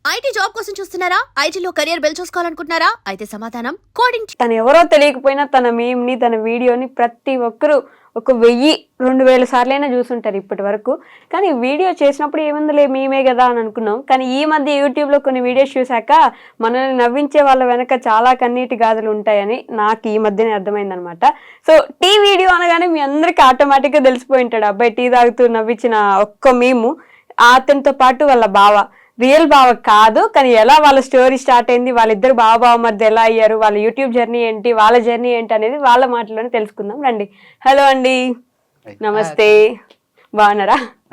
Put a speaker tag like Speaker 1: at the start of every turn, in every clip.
Speaker 1: IT job కోసం చూస్తున్నారా? ఐటీలో కెరియర్ బిల్డ్ చూసుకోవాలనుకుంటున్నారా? అయితే సమాధానం కోడింగ్.
Speaker 2: తను ఎవరో తెలియకపోయినా తన మీమ్ని తన వీడియోని ప్రతి ఒక్కరూ ఒక 1000-2000 సార్లైనా చూసుంటారు ఇప్పటి వరకు. కానీ వీడియో చేసినప్పుడు ఏముందిలే మేమే కదా అని అనుకున్నాం. కానీ ఈ మధ్య యూట్యూబ్లో కొన్ని వీడియోస్ చూశాక మనల్ని నవ్వించే వాళ్ళ వెనక చాలా కన్నీటి గాథలు ఉంటాయని నాకు ఈ మధ్యనే అర్థమైందనమాట. సో టీ వీడియో అనగానే మీ అందరికీ ఆటోమేటిక్గా తెలిసిపోయి ఉంటాడు అబ్బాయి టీ తాగుతూ నవ్వించిన ఒక్క మీము. అతనితో పాటు వాళ్ళ బావ, రియల్ బావ కాదు కానీ ఎలా వాళ్ళ స్టోరీ స్టార్ట్ అయింది, వాళ్ళిద్దరు బావ మధ్య ఎలా అయ్యారు, వాళ్ళ యూట్యూబ్ జర్నీ ఏంటి, వాళ్ళ జర్నీ ఏంటి అనేది వాళ్ళ మాటలోనే తెలుసుకుందాం రండి. హలో అండి, నమస్తే, బాగున్నారా?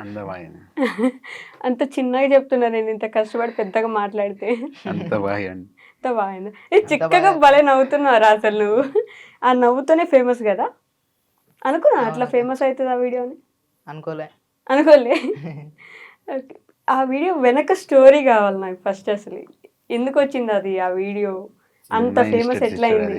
Speaker 2: అంత చిన్నగా చెప్తున్నా నేను, ఇంత కష్టపడి పెద్దగా మాట్లాడితే అంత బాగుంది. చిక్కగా భలే నవ్వుతున్నారా అసలు నువ్వు. ఆ నవ్వుతోనే ఫేమస్ కదా అనుకున్నా. అట్లా ఫేమస్ అవుతుంది ఆ వీడియోని అనుకోలే. ఓకే, ఆ వీడియో వెనక స్టోరీ కావాలి నాకు ఫస్ట్. అసలు ఎందుకు వచ్చింది అది, ఆ వీడియో అంత ఫేమస్ ఎట్లా అయింది?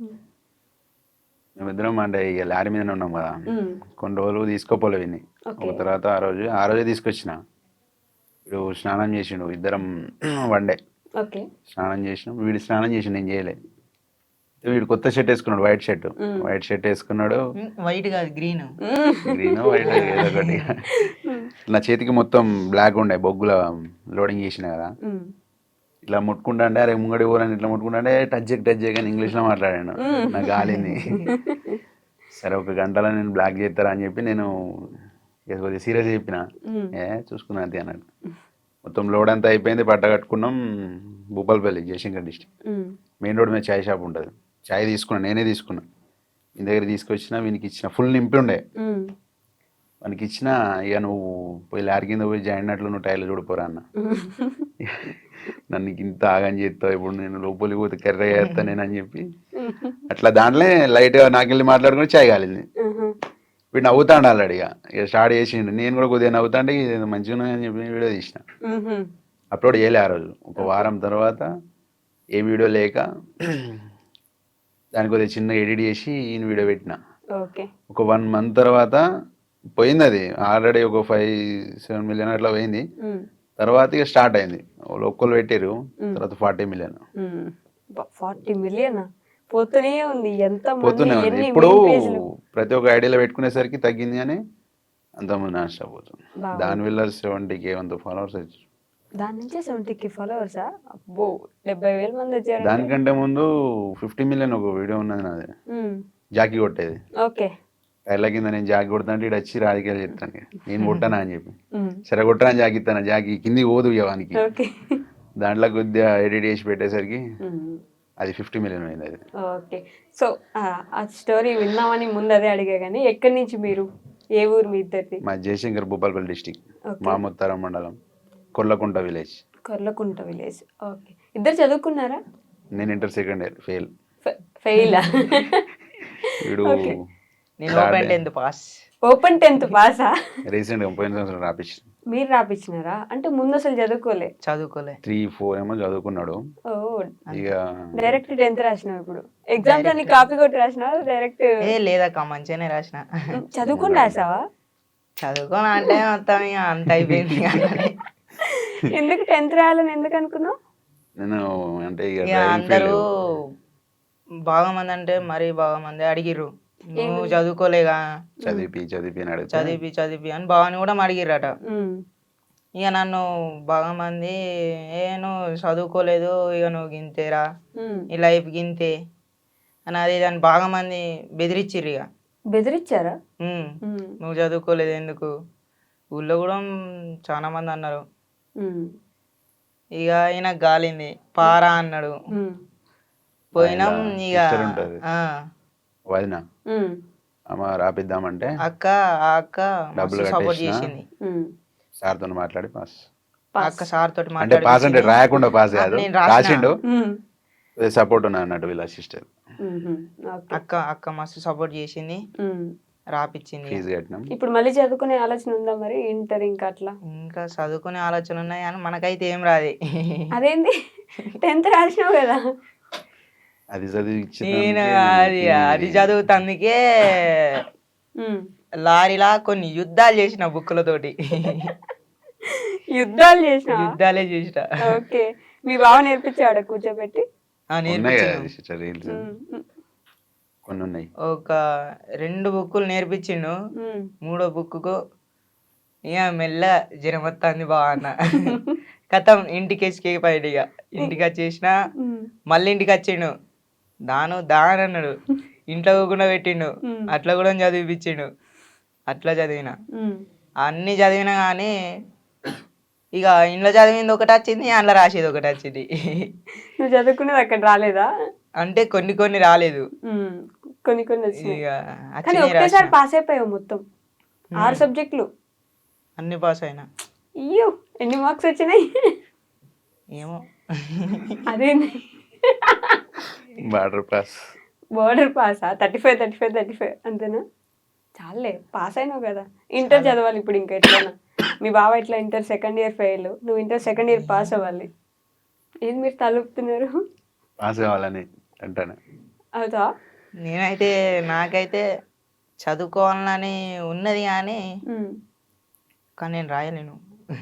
Speaker 3: మేమిద్దరం అంటే ఇక లారీ మీదనే ఉన్నాం కదా, కొన్ని రోజులు తీసుకోపోలే విని. ఒక తర్వాత ఆ రోజే తీసుకొచ్చిన. వీడు స్నానం చేసిండు, ఇద్దరం వన్డే స్నానం చేసినాం. వీడు స్నానం చేసిండు, నేను చేయలే. వీడు కొత్త షర్ట్ వేసుకున్నాడు, వైట్ షర్ట్ వేసుకున్నాడు.
Speaker 4: వైట్ కాదు, గ్రీన్
Speaker 3: వైట్ ఏదో ఒకటి. నా చేతికి మొత్తం బ్లాక్ ఉండే, బొగ్గుల లోడింగ్ చేసిన కదా. ఇట్లా ముట్టుకుంటా అంటే అరే ముంగడి ఊరని ఇట్లా ముట్టుకుంటా అంటే టచ్ కానీ ఇంగ్లీష్లో మాట్లాడాను. నాకు గాలింది. సరే ఒక గంటలో నేను బ్లాక్ చేస్తారా అని చెప్పి నేను కొద్దిగా సీరియస్ చెప్పిన. చూసుకున్నా అంతే అన్నాడు. మొత్తం లోడ్ అంతా అయిపోయింది, పట్ట కట్టుకున్నాం. Bhupalpally, Jayashankar district main road మీద చాయ్ షాప్ ఉంటుంది. చాయ్ తీసుకున్నా, నేనే తీసుకున్నా. మీ దగ్గర తీసుకొచ్చిన, వీనికి ఇచ్చిన. ఫుల్ నింపి ఉండే వానికి ఇచ్చిన. ఇక నువ్వు పోయి లారీ కింద పోయి జాయిన్ అయినట్లు నువ్వు టైర్లు చూడిపోరా అన్న. నన్ను ఇంత ఆగని చేస్తావు, ఇప్పుడు నేను లోపలికి పోతే కర్ర చేస్తా నేను అని చెప్పి అట్లా దాంట్లో లైట్గా నాకెళ్ళి మాట్లాడుకుని చాయ్ కాలింది. వీడు నవ్వుతాడు ఆల్రెడీ. ఇక స్టార్ట్ చేసిండు. నేను కూడా కొద్దిగా నవ్వుతాంటే ఇది మంచిగా ఉన్నాయని చెప్పి వీడియో తీసిన. అప్లోడ్ చేయలే ఆ రోజు. ఒక వారం తర్వాత ఏ వీడియో లేక దానికి కొద్దిగా చిన్న ఎడిట్ చేసి ఈయన వీడియో పెట్టిన. ఒక 1 month తర్వాత పోయింది అది. ఆల్రెడీ ఒక 5-7 మిలియన్ అట్లా పోయింది. తర్వాత ఇక స్టార్ట్ అయింది. ఒక్కరు పెట్టారు, తర్వాత 40 మిలియన్.
Speaker 2: 40 మిలియన్ పోతూనే ఉంది.
Speaker 3: పోతూనే ఉంది. ఇప్పుడు ప్రతి ఒక్క ఐడియాలో పెట్టుకునేసరికి తగ్గింది అని అంతమంది నాన్ స్టాప్ పోతుంది. దానివల్ల 70K ఫాలోవర్స్ వచ్చారు.
Speaker 2: దాని నుంచి 70K ఫాలోవర్సా? అబ్బో, 70,000 మంది వచ్చారు.
Speaker 3: దానికంటే ముందు 50 మిలియన్ ఒక వీడియో ఉన్నది నాది, జాకీ కొట్టేది.
Speaker 2: ఓకే,
Speaker 3: టైర్ల కింద నేను జాకీ కొడతాను, ఇటు వచ్చి రాజకీయాలు చెప్తాను. నేను కొట్టానా అని చెప్పి, సరే కొట్టరా జాకీ ఇస్తాను. జాకీ కింది పోదు ఇవ్వడానికి. దాంట్లో కొద్దిగా ఎడిట్ చేసి పెట్టేసరికి అది 50 మిలియన్ అయింది అది.
Speaker 2: ఓకే, సో ఆ స్టోరీ విన్నామని ముందు అదే అడిగా. కానీ ఎక్కడి నుంచి మీరు, ఏ ఊరు మీ ఇద్దరిది?
Speaker 3: మా జయశంకర్, భూపాలపల్లి డిస్టిక్, మాముత్తరం మండలం, కొర్లకుంట విలేజ్.
Speaker 2: ఓకే, ఇద్దరు చదువుకున్నారా?
Speaker 3: నేను ఇంటర్ సెకండ్ ఇయర్ ఫెయిల్. వీడు
Speaker 2: ఓపెన్ 10th పాసా?
Speaker 3: రీసెంట్ గా పోయిన సంవత్సరం రాపించిన.
Speaker 2: మీరు రాపించినారా? అంటే ముందు అసలు చదువుకోలే?
Speaker 3: 3-4 ఏమో చదువుకున్నాడు. ఇక
Speaker 2: డైరెక్ట్ 10th రాసినావు. ఇప్పుడు ఎగ్జామ్స్ అన్ని కాపీ కొట్టి రాసినావు డైరెక్ట్?
Speaker 4: లేదక్క, మంచిగానే రాసిన.
Speaker 2: చదువుకుని రాసావా?
Speaker 4: చదువుకోనా అంటే మొత్తం అంత అయిపోయింది.
Speaker 2: ఎందుకు 10th రాయాలని ఎందుకు అనుకున్నావు?
Speaker 3: నేను అంటే
Speaker 4: అందరూ బాగా మంది అంటే మరీ బాగా మంది అడిగిర్రు, నువ్వు చదువుకోలేగా, చదివి అని బాగాని కూడా అడిగిర్రట. ఇక నన్ను బాగా మంది నువ్వు చదువుకోలేదు, ఇక నువ్వు గింతేరా, ఈ లైఫ్ గింతే అని అది దాన్ని బాగా మంది బెదిరించిర్రు. ఇక
Speaker 2: బెదిరించారా?
Speaker 4: నువ్వు చదువుకోలేదు ఎందుకు, ఊళ్ళో కూడా చాలా మంది అన్నారు. ఇక ఈయన గాలింది, పారా అన్నాడు. పోయినాం. ఇక
Speaker 3: వదిన అమ్మ రాపిద్దామంటే
Speaker 4: అక్క
Speaker 3: డబ్బులు
Speaker 4: సపోర్ట్ చేసింది.
Speaker 3: సార్ తో మాట్లాడి పాస్.
Speaker 4: అక్క సార్ తోటి
Speaker 3: అంటే పాస్ అంటే రాయకుండా పాస్ కాదు, రాసిండు. సపోర్ట్ ఉన్నా అన్నట్టు వీళ్ళ సిస్టర్.
Speaker 4: అక్క మస్తు సపోర్ట్ చేసింది, రాపిచ్చింది.
Speaker 3: ఫీజు కట్టినాం.
Speaker 2: ఇప్పుడు మళ్ళీ చదువుకునే ఆలోచన ఉందా మరి? ఇంటర్ ఇంకా అట్లా
Speaker 4: ఇంకా చదువుకునే ఆలోచన ఉన్నాయి కానీ మనకైతే ఏం రాదు.
Speaker 2: అదేంటి? 10th రాసినావు కదా.
Speaker 3: అది చదివి
Speaker 4: అది చదువుతందుకే లారీలా కొన్ని యుద్ధాలు చేసిన బుక్కులతోటి.
Speaker 2: యుద్ధాలు చేసిన
Speaker 4: యుద్ధాలే చేసిన.
Speaker 2: ఓకే. మీ బావ నేర్పించాడు కూర్చోబెట్టి?
Speaker 3: ఉన్నాయి కదా
Speaker 4: నేర్పించిండు.
Speaker 3: సిస్టర్ రీల్స్ కొన్ని ఉన్నాయి.
Speaker 4: ఒక 2 బుక్కులు నేర్పించిండు. 3వ బుక్కు ఇక మెల్ల జ్వరం వస్తుంది బావ అన్న. కథం ఇంటికి ఎస్కేపోయాడు. ఇక ఇంటికి వచ్చేసిన మళ్ళీ ఇంటికి వచ్చిండు. దాని అన్నాడు. ఇంట్లో కూడా పెట్టిండు. అట్లా కూడా చదివిపించిండు. అట్లా చదివిన. అన్ని చదివినా కానీ ఇక ఇంట్లో చదివింది ఒకటి వచ్చింది, అందులో రాసేది ఒకటి వచ్చింది.
Speaker 2: నువ్వు చదువుకునేది అక్కడ రాలేదా?
Speaker 4: అంటే కొన్ని రాలేదు.
Speaker 2: కొన్ని వచ్చినాయి.
Speaker 4: ఇక
Speaker 2: కానీ
Speaker 4: వచ్చినాయి
Speaker 2: ఒకేసారి
Speaker 4: రాసిన.
Speaker 2: పాస్ అయిపోయావు మొత్తం 6 సబ్జెక్టులు.
Speaker 4: అన్ని పాస్ అయినా.
Speaker 2: అయ్యో, ఎన్ని మార్క్స్ వచ్చినాయి?
Speaker 4: ఏమో
Speaker 2: అదేంది
Speaker 3: బార్డర్ పాస్.
Speaker 2: బోర్డర్ పాసా? 35 అంతేనా? చాలే, పాస్ అయినావు కదా. ఇంటర్ చదవాలి ఇప్పుడు ఇంకా ఎట్లైనా. మీ బావ ఇట్లా ఇంటర్ సెకండ్ ఇయర్ ఫెయిల్, నువ్వు ఇంటర్ సెకండ్ ఇయర్ పాస్ అవ్వాలి. ఏది మీరు తలుపుతున్నారు?
Speaker 3: పాస్ కావాలని అంటాను.
Speaker 2: అవుతా?
Speaker 4: నాకైతే చదువుకోవాలని ఉన్నది కానీ నేను రాయలేను.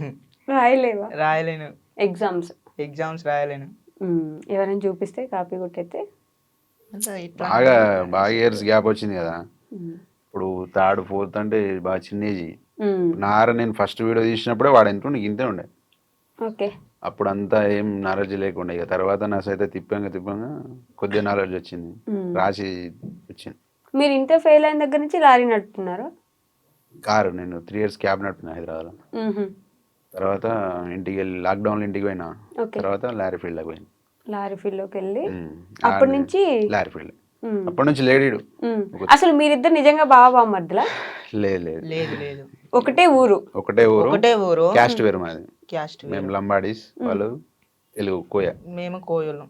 Speaker 2: రాయలేవా? ఎగ్జామ్స్
Speaker 4: రాయలేను.
Speaker 2: ఎవరైనా చూపిస్తే కాపీ కొట్టయితే
Speaker 4: అంటే ఇట్లా
Speaker 3: బాగా ఇయర్స్ గ్యాప్ వచ్చింది కదా. ఇప్పుడు 3rd 4th అంటే బాగా చిన్న ఏజ్. నేను ఫస్ట్ వీడియో తీసినప్పుడే వాడు ఎంత ఉండే ఇంతే ఉండే.
Speaker 2: ఓకే.
Speaker 3: అప్పుడు అంతా ఏం నాలెడ్జ్ లేకుండా. ఇక తర్వాత నా సైతే తిప్పంగా కొద్దిగా నాలెడ్జ్ వచ్చింది, రాసి వచ్చింది.
Speaker 2: మీరు ఇంటర్ ఫెయిల్ అయిన దగ్గర నుంచి లారీ నడుపుతున్నారు?
Speaker 3: కారు నేను 3 years క్యాబ్ నడుపుతున్నా హైదరాబాద్లో. తర్వాత ఇంటికి వెళ్ళి లాక్డౌన్లో ఇంటికి పోయినా. తర్వాత లారీ ఫీల్డ్లోకి పోయింది.
Speaker 2: లారీ ఫీల్డ్లోకి వెళ్ళి అప్పటి నుంచి
Speaker 3: లారీ ఫీల్డ్ అప్పటి నుంచి లేడీడు.
Speaker 2: అసలు మీరిద్దరు నిజంగా బావ మధ్యలో?
Speaker 4: లేదు.
Speaker 2: ఒకటే ఊరు?
Speaker 3: ఒకటే ఊరు. క్యాస్ట్ వేరు మాది. మేము లంబాడీస్, వాళ్ళు తెలుగు కోయ.
Speaker 4: మేము కోయలు.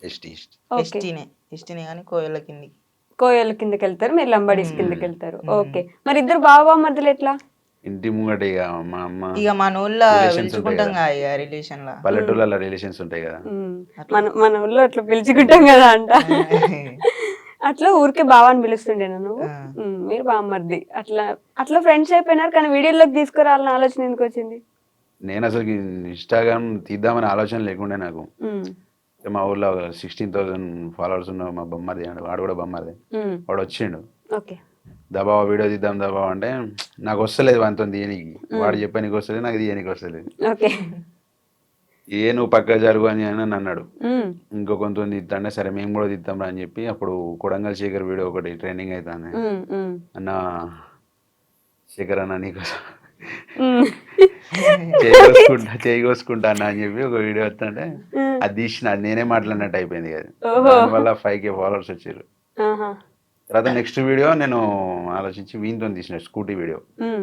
Speaker 4: ఎస్టీనే కానీ కోయల
Speaker 2: కిందకి వెళ్తారు, మీరు లంబాడీస్ కిందకి వెళ్తారు. ఓకే. మరి ఇద్దరు బావ మధ్యలో ఎట్లా?
Speaker 3: ఇంటి ముంగట ఇక మా అమ్మ
Speaker 4: ఇక మన ఊళ్ళో పిలుచుకుంటాం కదా రిలేషన్ లా.
Speaker 3: పల్లెటూళ్ళ రిలేషన్స్ ఉంటాయి కదా.
Speaker 2: మన ఊళ్ళో అట్లా పిలుచుకుంటాం కదా అంట. అట్లా ఊరికే బావ అని పిలుస్తుండే నువ్వు, మీరు బామ్మర్ది. అట్లా ఫ్రెండ్స్ అయిపోయినారు. కానీ వీడియోలోకి తీసుకురావాలని ఆలోచన ఎందుకు వచ్చింది?
Speaker 3: నేను అసలు ఇన్స్టాగ్రామ్ తీద్దామని ఆలోచన లేకుండే నాకు. మా ఊర్లో 16,000 followers ఉన్న మా బొమ్మది, వాడు కూడా బొమ్మది, వాడు వచ్చిండు. దబావ వీడియో తీద్దాం దబావ అంటే నాకు వస్తలేదు వానితో తీయనికి. వాడు చెప్పా నీకు వస్తలేదు, నాకు తీయనికి వస్తలేదు. నువ్వు పక్క జరుగు అని అన్నాడు. ఇంకో కొంత తీద్దాంటే సరే మేము కూడా తీద్దాం రా అని చెప్పి అప్పుడు కొడంగల్ శేఖర్ వీడియో ఒకటి ట్రెండింగ్ అవుతాను. అన్న శేఖర్ అన్న నీకోసం చేయి కోసుకుంటా అన్న అని చెప్పి ఒక వీడియో వస్తుంటే అది తీసిన, అది నేనే మాట్లాడినట్టు అయిపోయింది కదా. దానివల్ల 5K followers వచ్చారు. తర్వాత నెక్స్ట్ వీడియో నేను ఆలోచించి వీనితో తీసిన స్కూటీ వీడియో,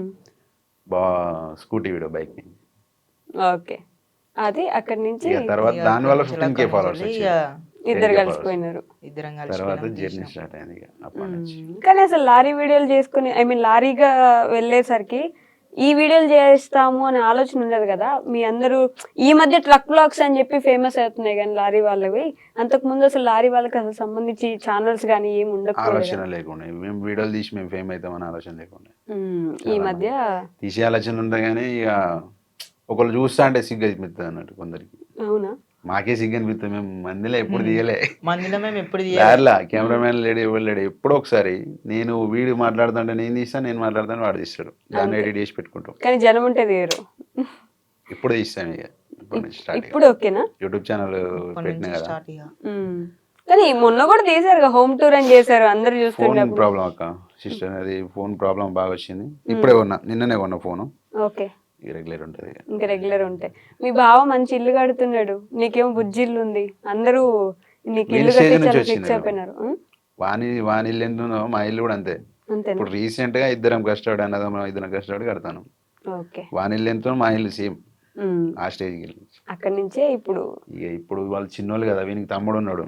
Speaker 3: బైక్.
Speaker 2: ఓకే. అది అక్కడి నుంచి
Speaker 3: తర్వాత దానివల్ల 15K followers వచ్చారు.
Speaker 2: ఇద్దరు కలిసిపోయినారు.
Speaker 3: తర్వాత జర్నీ స్టార్ట్ అయింది అప్పటి నుంచి.
Speaker 2: కానీ అసలు లారీ వీడియోలు చేసుకుని లారీగా వెళ్ళేసరికి ఈ వీడియోలు చేస్తాము అనే ఆలోచన ఉండదు కదా. మీ అందరూ ఈ మధ్య ట్రక్ బ్లాగ్స్ అని చెప్పి ఫేమస్ అవుతున్నాయి కానీ లారీ వాళ్ళవి, అంతకు ముందు అసలు లారీ వాళ్ళకి అసలు సంబంధించి ఛానల్స్ కానీ ఏమి ఉండదు,
Speaker 3: ఆలోచన లేకుండా మేము వీడియోలు తీసి మేము ఫేమ్ అవుతామని ఆలోచన లేకుండా.
Speaker 2: ఈ మధ్య తీసే
Speaker 3: ఆలోచన ఉంటాయి కానీ ఇక ఒకళ్ళు చూస్తా అంటే సిగ్గు అనిపిస్తుంది అన్నట్టు కొందరికి.
Speaker 2: అవునా?
Speaker 3: మాకే సిగ్గు అనిపిస్తుంది. మేము మందిలో ఎప్పుడు తీయలే, కెమెరామెన్ లేడు, ఎవరు లేడు. ఎప్పుడో ఒకసారి నేను వీడియో మాట్లాడుతుంటే నేను తీస్తాను, నేను మాట్లాడుతాను వాడు తీస్తాడు, దాన్ని ఎడిట్ చేసి పెట్టుకుంటాం.
Speaker 2: కానీ జనం ఉంటే తీయరు.
Speaker 3: ఇప్పుడు తీస్తాం ఇక
Speaker 2: ఇప్పుడు ఓకేనా?
Speaker 3: యూట్యూబ్ ఛానల్ పెట్టినా కదా.
Speaker 2: కానీ మొన్న కూడా తీసారు, హోమ్ టూర్ అని చేశారు, అందరు చూస్తుంటే.
Speaker 3: ఫోన్ ప్రాబ్లం అక్క సిస్టర్, అది ఫోన్ ప్రాబ్లం బాగా వచ్చింది. ఇప్పుడే నిన్ననే కొన్న ఫోన్.
Speaker 2: ఓకే.
Speaker 3: రెగ్యులర్ ఉంటుంది,
Speaker 2: ఇంకా రెగ్యులర్ ఉంటాయి. మీ బావ మంచి ఇల్లు కడుతున్నాడు, నీకేమో బుజ్జి ఇల్లు ఉంది, అందరూ నీకు ఇల్లు కట్టించారు, ఫిక్స్ అయిపోయినారు.
Speaker 3: వాని ఇల్లు ఎంత ఉందో మా ఇల్లు కూడా అంతే. ఇప్పుడు రీసెంట్ గా ఇద్దరం కష్టపడి అన్నదమ్ములం ఇద్దరం కష్టపడి కడతాను. వాని ఇల్లు ఎంతో మా ఇల్లు సేమ్ ఆ స్టేజ్కి వెళ్ళి
Speaker 2: అక్కడి నుంచే ఇప్పుడు
Speaker 3: వాళ్ళు చిన్నోళ్ళు కదా, వీనికి తమ్ముడు ఉన్నాడు.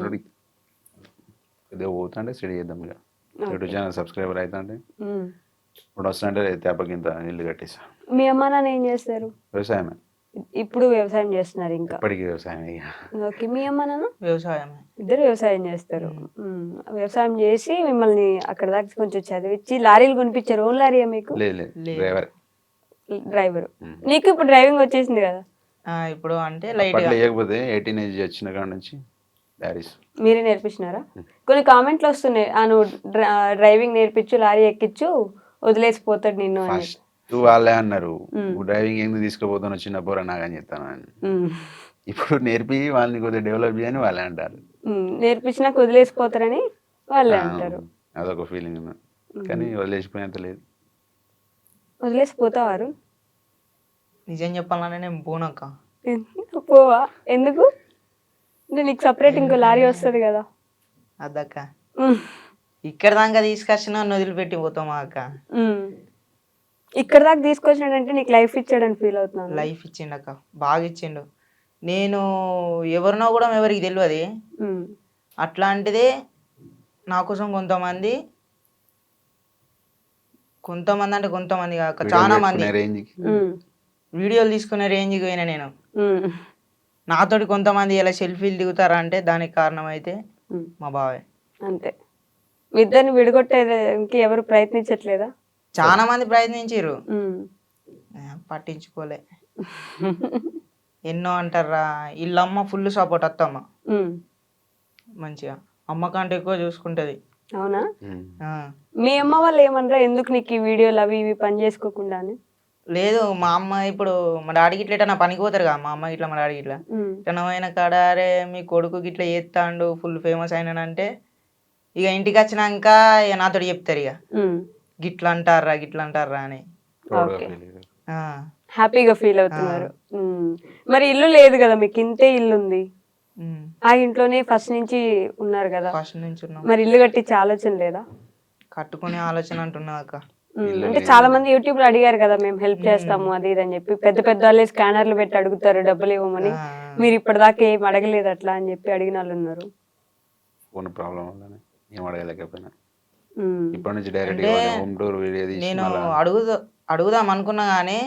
Speaker 3: ఇదే పోతుంటే స్టడీ చేద్దాం ఇక యూట్యూబ్ ఛానల్ సబ్స్క్రైబర్ అవుతా అంటే ఇప్పుడు వస్తుంటే తేపకింత ఇల్లు కట్టేసా.
Speaker 2: మీ అమ్మ నాన్న ఏం చేస్తారు?
Speaker 3: వ్యవసాయమే.
Speaker 2: ఇప్పుడు వ్యవసాయం చేస్తున్నారు ఇంకా?
Speaker 3: ఇప్పటికీ వ్యవసాయం.
Speaker 2: ఓకే. మీ అమ్మ నాన్న?
Speaker 4: వ్యవసాయం.
Speaker 2: ఇద్దరు వ్యవసాయం చేస్తారు. వ్యవసాయం చేసి మిమ్మల్ని అక్కడ దాకా కొంచెం చదివించి లారీలు కొనిపించారు. ఓన్ లారీయా మీకు?
Speaker 3: లేదు, డ్రైవర్.
Speaker 2: డ్రైవర్. నీకు ఇప్పుడు డ్రైవింగ్ వచ్చేసింది కదా,
Speaker 4: ఇప్పుడు అంటే లైట్
Speaker 3: అప్పట్లో లేకపోతే 18 ఏజ్ వచ్చిన కాడ నుంచి డాడీస్
Speaker 2: మీరే నేర్పించినారా? కొన్ని కామెంట్లు వస్తున్నాయి, నువ్వు డ్రైవింగ్ నేర్పించు, లారీ ఎక్కించు, వదిలేసిపోతాడు నిన్ను అని.
Speaker 3: ఫస్ట్ వాళ్ళే అన్నారు డ్రైవింగ్ ఎందుకు తీసుకుపోతాను చిన్న పోరా నాగని చెప్తాను అని. ఇప్పుడు నేర్పి వాళ్ళని కొద్దిగా డెవలప్ చేయని వాళ్ళే అంటారు.
Speaker 2: నేర్పించినాక వదిలేసిపోతారని వాళ్ళే అంటారు.
Speaker 3: అదొక ఫీలింగ్ ఉన్నా కానీ వదిలేసిపోయేంత లేదు.
Speaker 2: వదిలేసిపోతావారు?
Speaker 4: నిజం చెప్పాలంటే నేను పోనక్క.
Speaker 2: పోవా? ఎందుకు? అంటే నీకు సపరేట్ ఇంకో లారీ వస్తుంది కదా.
Speaker 4: అద్దక్క ఇక్కడ దాకా తీసుకొచ్చిన నన్ను వదిలిపెట్టి పోతామా అక్క?
Speaker 2: ఇక్కడ దాకా తీసుకొచ్చినాడంటే నీకు లైఫ్ ఇచ్చాడని ఫీల్ అవుతున్నాను.
Speaker 4: లైఫ్ ఇచ్చిండు అక్క, బాగా ఇచ్చిండు. నేను ఎవరినో కూడా ఎవరికి తెలియదు, అట్లాంటిదే నా కోసం కొంతమంది అంటే కొంతమంది కాక చాలా మంది వీడియోలు తీసుకునే రేంజ్కి పోయినా నేను. నాతోటి కొంతమంది ఇలా సెల్ఫీలు దిగుతారా అంటే దానికి కారణం అయితే మా బావే.
Speaker 2: అంతే. మీ ఇద్దరిని విడగొట్టేదానికి ఎవరు ప్రయత్నించట్లేదా?
Speaker 4: చాలా మంది ప్రయత్నించారు, పట్టించుకోలే. ఎన్నో అంటారా, వీళ్ళమ్మ ఫుల్ సపోర్ట్, అత్తమ్మ మంచిగా అమ్మ కంటే ఎక్కువ చూసుకుంటది.
Speaker 2: అవునా? మీ అమ్మ వాళ్ళు ఏమన్నారా ఎందుకు నీకు ఈ వీడియోలు అవి ఇవి పని చేసుకోకుండా అని?
Speaker 4: లేదు, మా అమ్మ ఇప్పుడు మా డాడీకి ఇట్లా ఎటన్నా పనికి పోతారు కదా, మా అమ్మ ఇట్లా మా డాడీ ఇట్లా ఎటనమైన కాడ అరే మీ కొడుకు ఇట్లా చేస్తాడు ఫుల్ ఫేమస్ అయినానంటే ఇక ఇంటికి వచ్చినాక ఇక నాతో చెప్తారు ఇక గిట్లా అంటారా అని.
Speaker 2: హ్యాపీగా ఫీల్ అవుతున్నారు. మరి ఇల్లు లేదు కదా మీకు, ఇంతే ఇల్లు ఉంది, ఆ ఇంట్లోనే ఫస్ట్ నుంచి ఉన్నారు కదా.
Speaker 4: ఫస్ట్ నుంచి ఉన్నాం.
Speaker 2: మరి ఇల్లు కట్టించే ఆలోచన లేదా?
Speaker 4: కట్టుకునే ఆలోచన అంటున్నా అక్క.
Speaker 2: అంటే చాలా మంది యూట్యూబ్ లో అడిగారు కదా, మేము హెల్ప్ చేస్తాము అది ఇది అని చెప్పి, పెద్ద పెద్ద వాళ్ళే స్కానర్లు పెట్టి అడుగుతారు డబ్బులు ఇవ్వమని. మీరు ఇప్పటిదాకా ఏం అడగలేదు అట్లా అని చెప్పి అడిగిన వాళ్ళు ఉన్నారు.
Speaker 3: ఫోన్ ప్రాబ్లం వల్లనే ఏం అడగలేకపోయినా. ఇప్పటి నుంచి డైరెక్ట్ హోమ్ టూర్ వీడియో తీసి
Speaker 4: నేను అడుగుదాం అనుకున్నా కానీ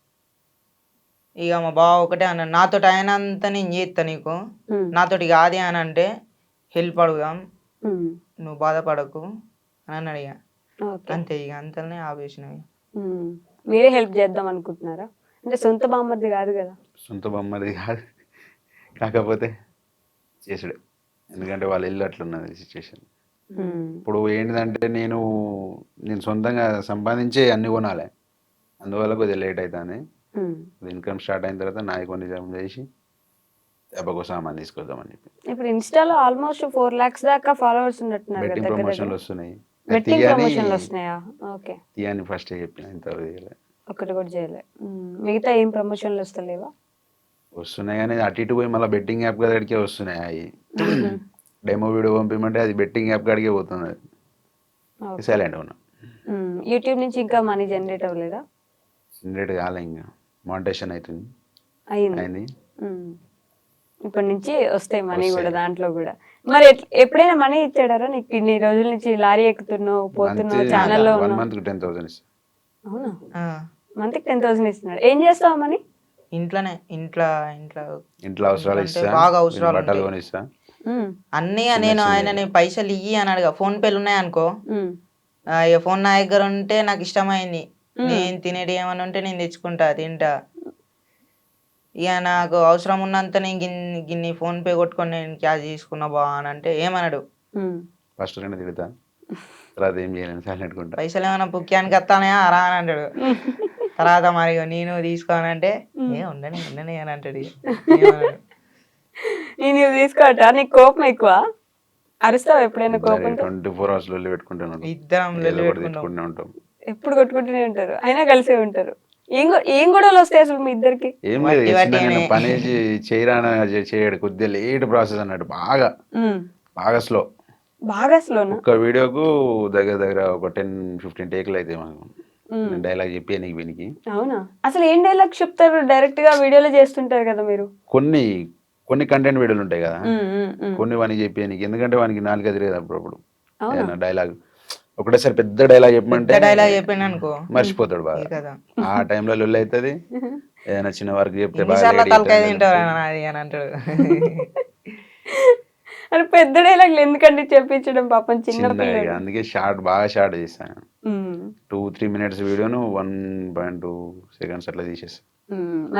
Speaker 4: ఇక మా బావ ఒకటే అన్నాడు, నాతోటి అయినంత నేను చేస్తా, నీకు నాతోటి కాదే అని అంటే హెల్ప్ అడుగుదాం, నువ్వు బాధపడకు అని అన్నాడు. ఇక అంతే, ఇక అంతనే ఆపేసినవి.
Speaker 2: మీరే హెల్ప్ చేద్దాం అనుకుంటున్నారా? అంటే సొంత బామ్మది కాదు కదా.
Speaker 3: సొంత బామ్మది కాదు, కాకపోతే చేసుడే, ఎందుకంటే వాళ్ళ ఇల్లు అట్లున్నది సిచ్యువేషన్. ఇప్పుడు ఏంటిదంటే నేను సొంతంగా సంపాదించే అన్ని కొనాలి, అందువల్ల కొద్దిగా లేట్ అవుతుంది. ఇన్కమ్ స్టార్ట్ అయిన తర్వాత నాయి కొన్ని జమ చేసి ఎప్పకో సామాన్ తీసుకొద్దామని చెప్పి.
Speaker 2: ఇప్పుడు ఇన్స్టాలో ఆల్మోస్ట్ 4 lakhs దాకా ఫాలోవర్స్ ఉన్నట్టున్నారు.
Speaker 3: బెట్టింగ్ ప్రమోషన్లు వస్తున్నాయి.
Speaker 2: బెట్టింగ్ ప్రమోషన్లు వస్తున్నాయా? ఓకే.
Speaker 3: తీయని ఫస్ట్ చెప్పిన, ఇంతవరకు చేయలే,
Speaker 2: ఒకటి కూడా చేయలే. మిగతా ఏం ప్రమోషన్లు వస్తలేవా?
Speaker 3: వస్తున్నాయి కానీ అటు ఇటు పోయి మళ్ళీ బెట్టింగ్ యాప్ కాడికే వస్తున్నాయి. అవి డెమో వీడియో పంపిమంటే అది బెట్టింగ్ యాప్ కాడికే పోతుంది, సైలెంట్ ఉన్నా.
Speaker 2: యూట్యూబ్ నుంచి ఇంకా మనీ జనరేట్ అవ్వలేదా?
Speaker 3: జనరేట్ కాలే, ఇంకా మానిటైజేషన్ అవుతుంది,
Speaker 2: అయింది. ఇప్పటి నుంచి వస్తాయి మనీ కూడా దాంట్లో కూడా. మరి ఎప్పుడైనా మనీ ఇచ్చాడారా నీకు? ఇన్ని రోజుల నుంచి లారీ ఎక్కుతున్నావు పోతున్నావు ఛానల్లో ఉన్నావు.
Speaker 3: 1 month 10,000 ఇస్తా.
Speaker 2: అవునా? మంత్కి 10,000 ఇస్తున్నాడు. ఏం చేస్తావు మనీ?
Speaker 4: ఇంట్లోనే, ఇంట్లో
Speaker 3: అవసరాలు ఇస్తా,
Speaker 4: బాగా అవసరాలు
Speaker 3: బట్టలు కొనిస్తా
Speaker 4: అన్నీ. నేను ఆయన పైసలు ఇయ్యి అని అడగా, ఫోన్ పేలు ఉన్నాయి అనుకో, ఇక ఫోన్ నా దగ్గర ఉంటే నాకు ఇష్టమైంది, నేను తినేది ఏమని ఉంటే నేను తెచ్చుకుంటా తింటా. ఇక నాకు అవసరం ఉన్నంత నేను గిన్ని ఫోన్ పే కొట్టుకొని నేను క్యాష్ తీసుకున్నా బా అని అంటే ఏమన్నాడు,
Speaker 3: ఫస్ట్ 2 తిడతా, తర్వాత ఏం చేయలేను, సైలెంట్ ఉంటా.
Speaker 4: పైసలు ఏమైనా పుక్యానికి వస్తానే రా అని అంటాడు. తర్వాత మరి నేను తీసుకోనంటే ఉండని అని అంటాడు.
Speaker 2: నేను తీసుకోవటా? నీకు కోపం ఎక్కువ? అరుస్తావు ఎప్పుడైనా కోపం?
Speaker 3: 24 hours లొల్లి పెట్టుకుంటాను,
Speaker 4: ఇద్దరం
Speaker 3: పెట్టుకుంటూనే ఉంటాం,
Speaker 2: ఎప్పుడు కొట్టుకుంటూనే ఉంటారు, అయినా కలిసే ఉంటారు. ఏం గొడవలు వస్తాయి అసలు మీ ఇద్దరికి?
Speaker 3: ఏం లేదు, పని చేయరా చేయడు, కొద్దిగా లేట్ ప్రాసెస్ అన్నట్టు, బాగా స్లో. ఒక్క వీడియోకు దగ్గర ఒక 10-15 టేకులు అయితే మాకు డైలాగ్ చెప్పి నీకు వీనికి.
Speaker 2: అవునా? అసలు ఏం డైలాగ్ చెప్తారు? డైరెక్ట్ గా వీడియోలో చేస్తుంటారు కదా మీరు.
Speaker 3: కొన్ని కంటెంట్ వీడియోలు ఉంటాయి కదా, కొన్ని వానికి చెప్పి నీకు, ఎందుకంటే వానికి 4 తిరిగేది అప్పుడప్పుడు డైలాగ్. ఒకటేసారి పెద్ద డైలాగ్ చెప్పమంటే
Speaker 4: చెప్పాను అనుకో
Speaker 3: మర్చిపోతాడు బాగా. ఆ టైంలో లొల్లి అవుతుంది, ఏదైనా చిన్న వర్క్ చెప్తే
Speaker 2: పెద్ద డైలాగ్ ఎందుకంటే చెప్పించడం పాపం చిన్న,
Speaker 3: అందుకే బాగా షార్ట్ చేస్తాను. 2-3 minutes వీడియోను 1.2 seconds అట్లా తీసేస్తా.